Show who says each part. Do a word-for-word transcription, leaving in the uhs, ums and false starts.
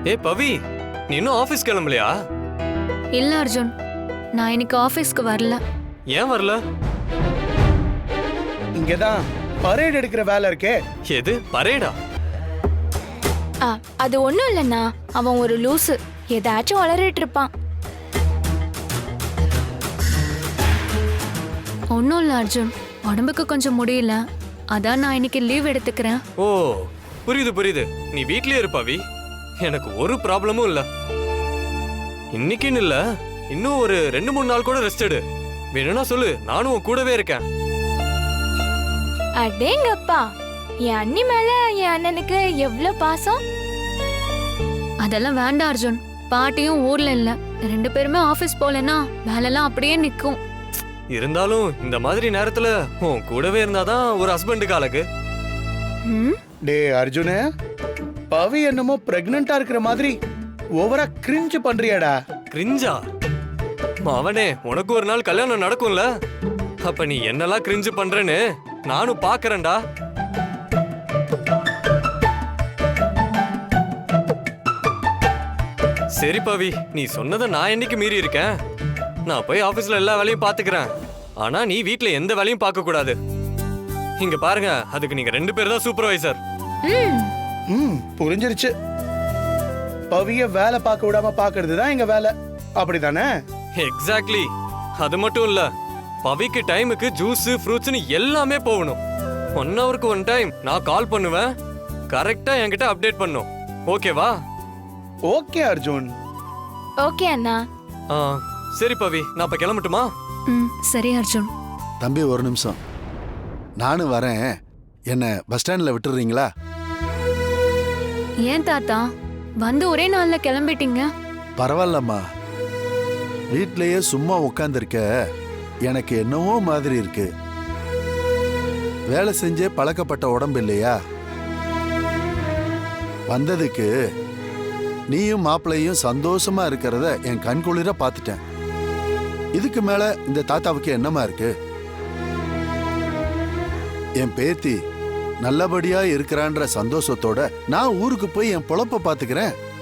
Speaker 1: ஏ பவி, நீ இன்னும் ஆபீஸ் கிளம்பலையா?
Speaker 2: இல்ல அர்ஜுன், நான் இன்னைக்கு ஆபீஸ்க்கு வரல.
Speaker 1: ஏன் வரல?
Speaker 3: இங்கதான் பரேட் எடுக்கிற வேலை இருக்கே.
Speaker 1: எது பரேடா?
Speaker 4: ஆ, அது ஒண்ணும் இல்லண்ணா, அவன் ஒரு லூசு, ஏதாச்சும் வளரிட்டு இருப்பான்.
Speaker 2: ஒன்றும் இல்லை அர்ஜுன், உடம்புக்கு கொஞ்சம் முடியல, அதான் நான் இன்னைக்கு லீவ் எடுத்துக்கிறேன்.
Speaker 1: ஓ புரியுது புரியுது. நீ வீட்லயே இரு பவி, எனக்கு ஒரு ப்ராப்ளமும் இல்ல. இன்னைக்குன்னு இல்ல, இன்னும் ஒரு ரெண்டு மூணு நாள் கூட ரெஸ்ட் எடு. வேணும்னா சொல்லு, நானும் உன் கூடவே இருக்கேன்.
Speaker 4: அடேங்கப்பா, என் அண்ணி மேல என் அண்ணனுக்கு எவ்வளவு பாசம்.
Speaker 2: அதெல்லாம் வேண்டாம் அர்ஜுன், பாட்டியும் ஊர்ல இல்ல, ரெண்டு பேருமே ஆபீஸ் போலன்னா வேலைலாம் அப்படியே நிக்கும்.
Speaker 1: இருந்தாலும் இந்த மாதிரி நேரத்துல உன் கூடவே இருந்தாதான் ஒரு ஹஸ்பண்டுக்கு அழகு.
Speaker 2: ம்,
Speaker 3: டே அர்ஜுனு, பவி என்னமோ பிரெக்னண்டா இருக்கிற மாதிரி ஓவரா கிரிஞ்சு பண்றியாடா.
Speaker 1: கிரிஞ்சா? அவனே, உனக்கு ஒரு நாள் கல்யாணம் நடக்கும்ல, அப்ப நீ என்னெல்லாம் கிரிஞ்சு பண்றேன்னு நானும் பாக்குறேன்டா. சரி பவி, நீ சொன்னதை நான் என்னைக்கு மீறி இருக்கேன்? நான் போய் ஆபீஸ்ல எல்லா வேலையும் பாத்துக்கிறேன். ஆனா நீ வீட்ல எந்த வேலையும் பார்க்க கூடாது. இங்க பாருங்க, அதுக்கு நீங்க ரெண்டு பேர் தான் சூப்பர்வைசர்.
Speaker 4: ம்,
Speaker 3: ம் புரிஞ்சிருச்சு. பவிய வேலை பார்க்க விடாம பாக்குறது தான் எங்க வேலை, அப்படிதானே?
Speaker 1: எக்ஸாக்ட்லி. அது மட்டும் இல்ல, பவிக்கு டைமுக்கு ஜூஸ் ஃப்ரூட்ஸ்னு எல்லாமே போகணும். ஒன் ஹவருக்கு ஒன் டைம் நான் கால் பண்ணுவேன், கரெக்டா என்கிட்ட அப்டேட் பண்ணும். ஓகேவா?
Speaker 3: ஓகே அர்ஜுன்.
Speaker 4: ஓகே அண்ணா.
Speaker 1: ஆ, சரி பவி, நான் இப்ப கிளம்பட்டுமா?
Speaker 2: ம், சரி அர்ஜுன்.
Speaker 5: தம்பி ஒரு நிமிஷம், நானும் வரேன். என்ன பஸ் ஸ்டாண்ட்ல விட்டுறீங்களா?
Speaker 2: ஏன் தாத்தா, வந்து ஒரே நாள்ல கிளம்பிட்டீங்க?
Speaker 5: பரவாயில்லம்மா, வீட்லயே சும்மா உட்காந்துருக்க எனக்கு என்னவோ மாதிரி இருக்கு. வேலை செஞ்சே பழக்கப்பட்ட உடம்பு இல்லையா? வந்ததுக்கு நீயும் மாப்பிள்ளையும் சந்தோஷமா இருக்கிறத என் கண்குளிர பார்த்துட்டேன். இதுக்கு மேல இந்த தாத்தாவுக்கு என்னமா இருக்கு? என் பேத்தி நல்லபடியா இருக்கிறான்ற சந்தோஷத்தோட நான் ஊருக்கு போய் என் பொழப்ப பாத்துக்கிறேன்.